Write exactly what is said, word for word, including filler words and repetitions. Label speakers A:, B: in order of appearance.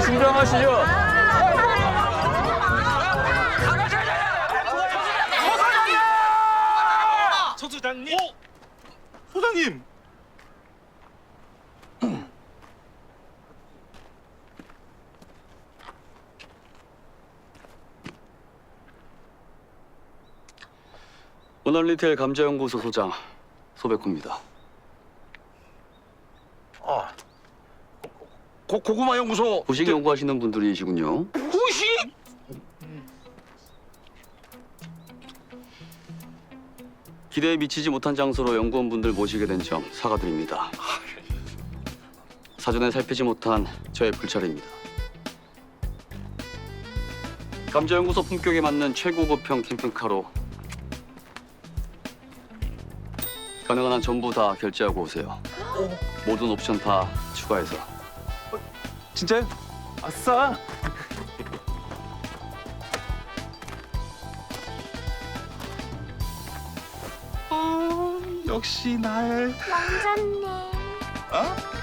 A: 진정하시죠.
B: 소장님. 오! 소장님.
C: 원월리테일 감자연구소 소장 소백호입니다.
B: 아. 고, 고구마 연구소.
C: 부식 연구하시는 분들이시군요.
B: 부식?
C: 기대에 미치지 못한 장소로 연구원분들 모시게 된 점 사과드립니다. 사전에 살피지 못한 저의 불찰입니다. 감자연구소 품격에 맞는 최고급형 캠핑카로 가능한 한 전부 다 결제하고 오세요. 모든 옵션 다 추가해서.
B: 진짜요? 아싸. 어, 역시 나의
D: 왕자님.
B: 어?